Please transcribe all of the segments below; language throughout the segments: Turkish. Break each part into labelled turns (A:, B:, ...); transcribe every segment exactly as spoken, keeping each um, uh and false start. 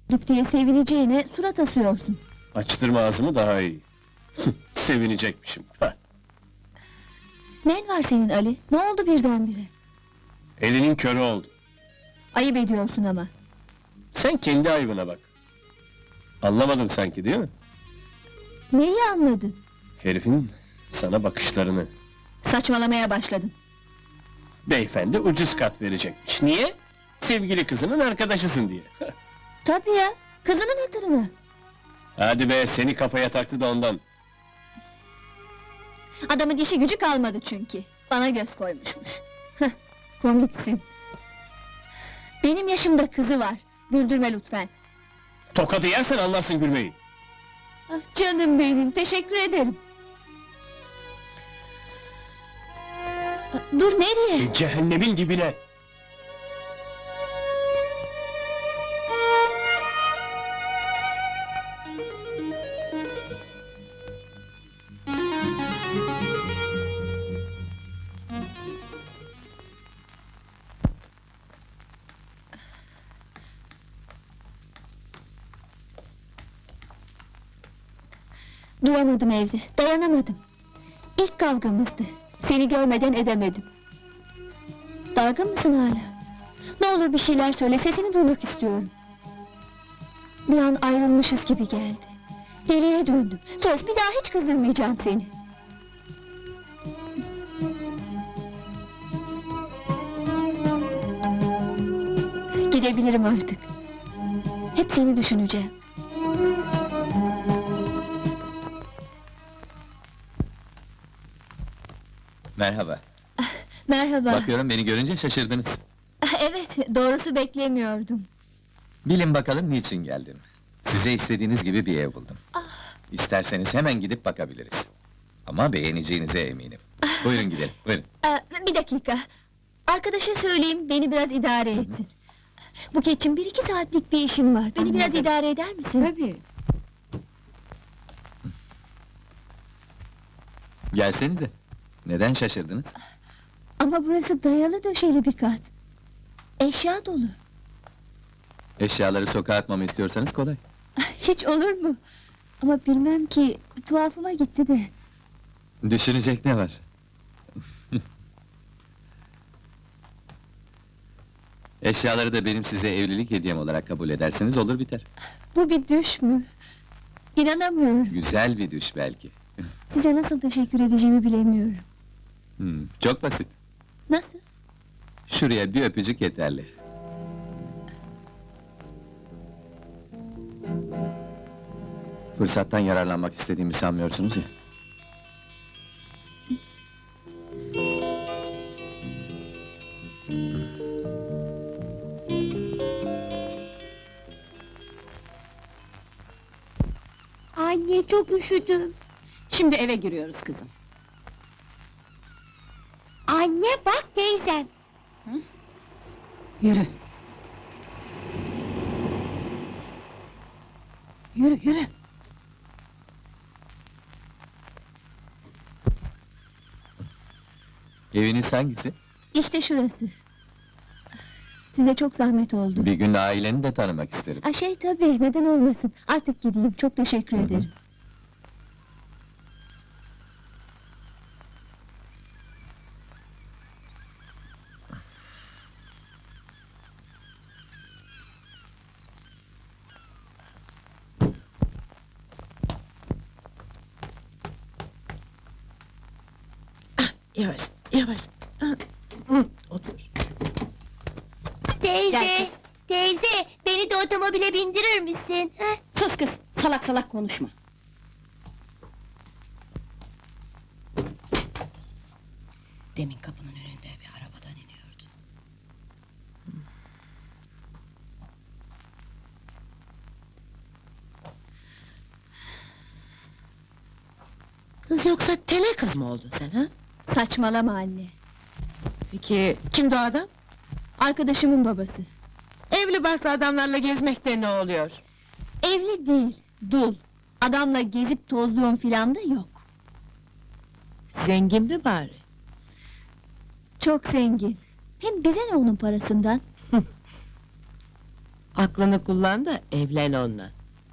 A: Duk diye sevineceğine surat asıyorsun.
B: Açtırma ağzımı daha iyi. Sevinecekmişim. Hah.
A: Nen var senin Ali? Ne oldu birdenbire?
B: Elinin körü oldu.
A: Ayıp ediyorsun ama.
B: Sen kendi ayıbına bak. Anlamadın sanki değil mi?
A: Neyi anladın?
B: Herifin sana bakışlarını.
A: Saçmalamaya başladın.
B: Beyefendi ucuz kat verecekmiş. Niye? Sevgili kızının arkadaşısın diye.
A: Tabii ya, kızının hatırına.
B: Hadi be, seni kafaya taktı da ondan.
A: Adamın işi gücü kalmadı çünkü. Bana göz koymuşmuş. Heh, komiksin. Benim yaşımda kızı var. Güldürme lütfen.
B: Tokadı yersen anlarsın gülmeyi.
A: Ah, canım benim, teşekkür ederim. Ah, dur nereye?
B: Cehennemin dibine.
A: Duramadım evde, dayanamadım. İlk kavgamızdı. Seni görmeden edemedim. Dargın mısın hala? Ne olur bir şeyler söyle, sesini duymak istiyorum. Bir an ayrılmışız gibi geldi. Deliye döndüm. Söz, bir daha hiç kızdırmayacağım seni. Gidebilirim artık. Hep seni düşüneceğim.
C: Merhaba.
A: Merhaba.
C: Bakıyorum beni görünce şaşırdınız.
A: Evet, doğrusu beklemiyordum.
C: Bilin bakalım niçin geldim. Size istediğiniz gibi bir ev buldum. İsterseniz hemen gidip bakabiliriz. Ama beğeneceğinize eminim. Buyurun gidelim, buyurun.
A: Ee, bir dakika. Arkadaşa söyleyeyim, beni biraz idare etsin. Buketçim, bir iki saatlik bir işim var. Beni biraz
D: Anladım.
A: idare eder misin?
D: Tabii.
C: Gelsenize. Neden şaşırdınız?
A: Ama burası dayalı döşeli bir kat. Eşya dolu.
C: Eşyaları sokağa atmamı istiyorsanız kolay.
A: Hiç olur mu? Ama bilmem ki, tuhafıma gitti de.
C: Düşünecek ne var? Eşyaları da benim size evlilik hediyem olarak kabul ederseniz olur biter.
A: Bu bir düş mü? İnanamıyorum.
C: Güzel bir düş belki.
A: Size nasıl teşekkür edeceğimi bilemiyorum.
C: Hmm, çok basit.
A: Nasıl?
C: Şuraya bir öpücük yeterli. Fırsattan yararlanmak istediğimi sanmıyorsunuz ya.
D: Anne, çok üşüdüm. Şimdi eve giriyoruz kızım. Anne, bak teyzem. Yürü. Yürü, yürü.
C: Eviniz hangisi?
A: İşte şurası. Size çok zahmet oldu.
C: Bir gün aileni de tanımak isterim.
A: Aa, şey tabii, neden olmasın. Artık gideyim, çok teşekkür ederim.
E: Yavaş, yavaş. Ah, hı, otur.
D: Teyze,
A: Gel kız.
D: teyze, beni de otomobile bindirir misin? Sus kız, salak salak konuşma. Demin kapının önünde bir arabadan iniyordu.
E: Kız yoksa tele kız mı oldun sen ha?
A: Saçmalama anne.
E: Peki kimdi o adam?
A: Arkadaşımın babası.
E: Evli barklı adamlarla gezmekte ne oluyor?
A: Evli değil, dul. Adamla gezip tozluğum filan da yok.
E: Zengin mi bari?
A: Çok zengin. Hem bize ne onun parasından?
E: Aklını kullan da evlen onunla.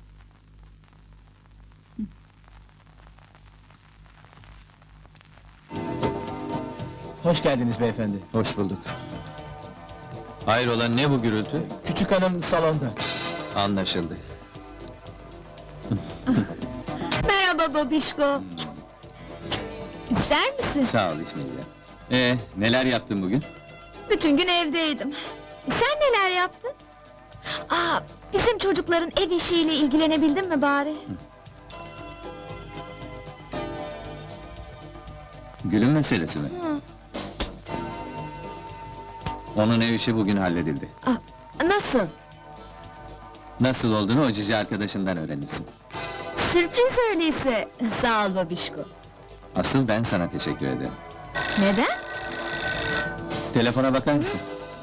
F: Hoş geldiniz beyefendi.
C: Hoş bulduk. Hayrola, ne bu gürültü?
F: Küçük hanım salonda.
C: Anlaşıldı.
A: Merhaba babişko. İster misin?
C: Sağ ol, içmeyeceğim. Ee, neler yaptın bugün?
A: Bütün gün evdeydim. Sen neler yaptın? Aa, bizim çocukların ev işiyle ilgilenebildin mi bari?
C: Gül'ün meselesi mi?
A: Hı.
C: Onun ev işi bugün halledildi.
A: Aa, nasıl?
C: Nasıl olduğunu o cici arkadaşından öğrenirsin.
A: Sürpriz öyleyse. Sağ ol babişko.
C: Asıl ben sana teşekkür ederim.
A: Neden?
C: Telefona bakar mısın?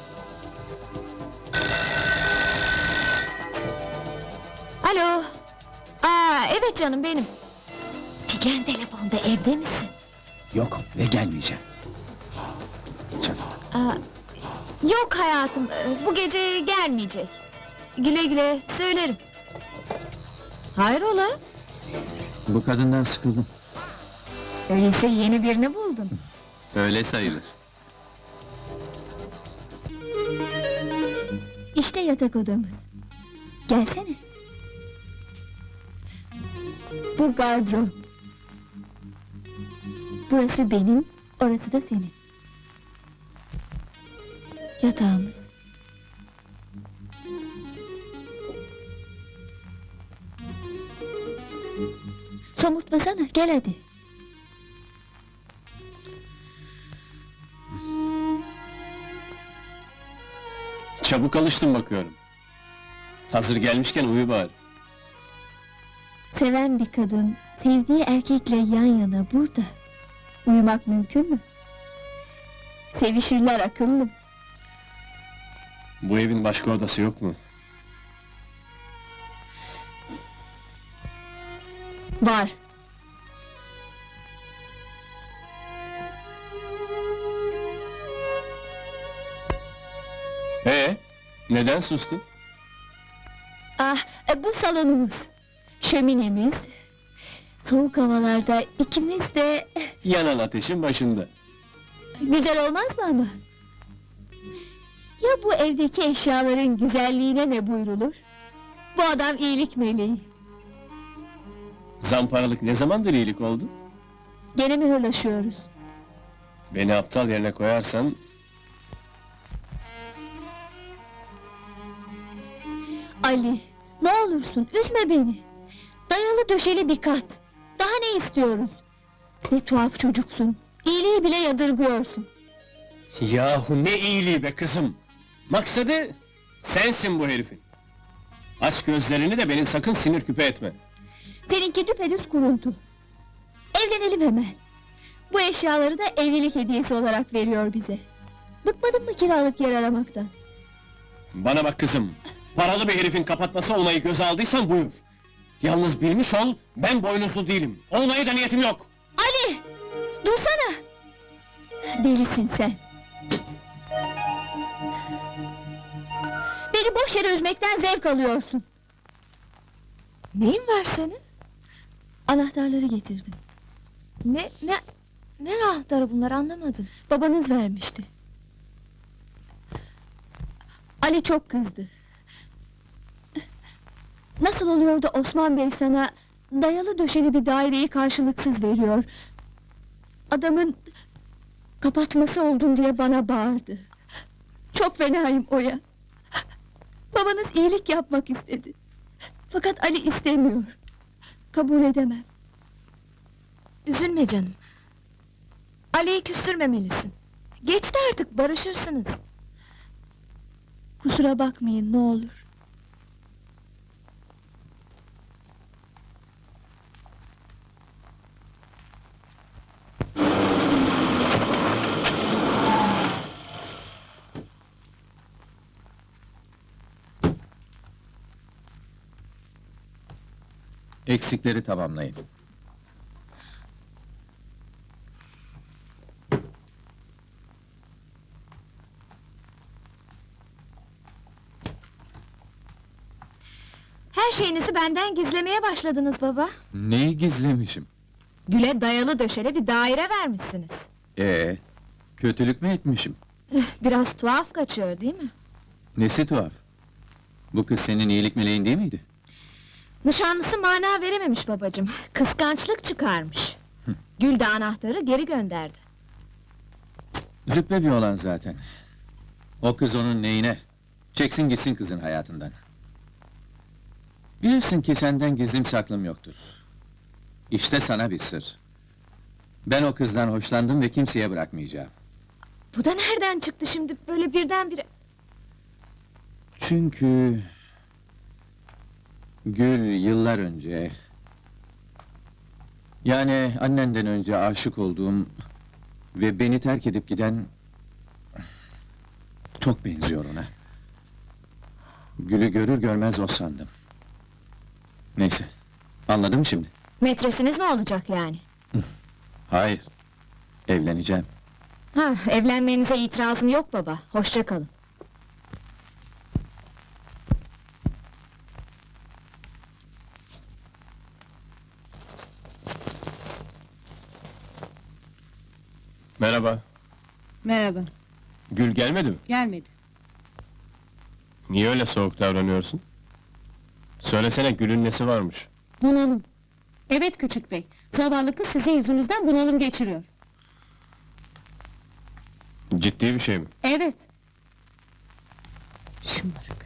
A: Alo. Aa, evet canım benim. Figen telefonda, evde misin?
C: Yok ve gelmeyeceğim. Canım.
A: Aa, yok hayatım, e, bu gece gelmeyecek. Güle güle, söylerim. Hayrola?
C: Bu kadından sıkıldım.
A: Öyleyse yeni birini buldun.
C: Öyle sayılır.
A: İşte yatak odamız. Gelsene. Bu gardırop. Burası benim, orası da senin. Yatağımız. Somurtmasana, gel hadi.
B: Çabuk alıştın bakıyorum. Hazır gelmişken uyu bari.
A: Seven bir kadın, sevdiği erkekle yan yana burada. Uyumak mümkün mü? Sevişirler akıllım.
B: Bu evin başka odası yok mu?
A: Var.
B: Ee, neden sustun?
A: Ah, e, bu salonumuz. Şöminemiz. Soğuk havalarda ikimiz de
B: Yanan ateşin başında.
A: güzel olmaz mı ama? Ya bu evdeki eşyaların güzelliğine ne buyrulur? Bu adam iyilik meleği.
B: Zamparalık ne zamandır iyilik oldu?
A: Gene mi hırlaşıyoruz?
B: Beni aptal yerine koyarsan...
A: Ali, ne olursun üzme beni. Dayalı döşeli bir kat. Daha ne istiyoruz? Ne tuhaf çocuksun. İyiliği bile yadırgıyorsun.
B: Yahu ne iyiliği be kızım! Maksadı sensin bu herifin. Aç gözlerini de beni sakın sinir küpe etme.
A: Seninki düpedüz kuruntu. Evlenelim hemen. Bu eşyaları da evlilik hediyesi olarak veriyor bize. Bıkmadın mı kiralık yer aramaktan?
B: Bana bak kızım, paralı bir herifin kapatması olmayı göze aldıysan buyur. Yalnız bilmiş ol, ben boynuzlu değilim. Olmaya da niyetim yok.
A: Ali! Dursana! Delisin sen. Beni boş yere üzmekten zevk alıyorsun.
G: Neyin var senin?
A: Anahtarları getirdim.
G: Ne, ne, ne anahtarı bunlar anlamadım.
A: Babanız vermişti. Ali çok kızdı. Nasıl oluyor da Osman Bey sana dayalı döşeli bir daireyi karşılıksız veriyor? Adamın kapatması oldun diye bana bağırdı. Çok fenayım Oya. Babanız iyilik yapmak istedi. Fakat Ali istemiyor. Kabul edemem.
G: Üzülme canım. Ali'yi küstürmemelisin. Geçti artık, barışırsınız.
A: Kusura bakmayın ne olur.
C: Eksikleri tamamlayın.
G: Her şeyinizi benden gizlemeye başladınız baba.
C: Neyi gizlemişim?
G: Gül'e dayalı döşeli bir daire vermişsiniz.
C: Ee, kötülük mü etmişim?
G: Biraz tuhaf kaçıyor değil mi?
C: Nesi tuhaf? Bu kız senin iyilik meleğin değil miydi?
G: Nişanlısı mana verememiş babacığım. Kıskançlık çıkarmış. Gül de anahtarı geri gönderdi.
C: Züppe bir olan zaten. O kız onun neyine? Çeksin gitsin kızın hayatından. Bilirsin ki senden gizlim saklım yoktur. İşte sana bir sır. Ben o kızdan hoşlandım ve kimseye bırakmayacağım.
G: Bu da nereden çıktı şimdi böyle birdenbire?
C: Çünkü... Gül yıllar önce... Yani annenden önce aşık olduğum... Ve beni terk edip giden... Çok benziyor ona. Gül'ü görür görmez o sandım. Neyse, anladın mı şimdi?
G: Metresiniz mi olacak yani?
C: Hayır, evleneceğim.
G: Ha, evlenmenize itirazım yok baba. Hoşça kalın.
B: Merhaba.
H: Merhaba,
B: Gül gelmedi mi?
H: gelmedi.
B: Niye öyle soğuk davranıyorsun? Söylesene Gül'ün nesi varmış?
H: Bunalım. Evet küçük bey, zavallı kız sizin yüzünüzden bunalım geçiriyor.
B: Ciddi bir şey mi?
H: Evet. Şımarık.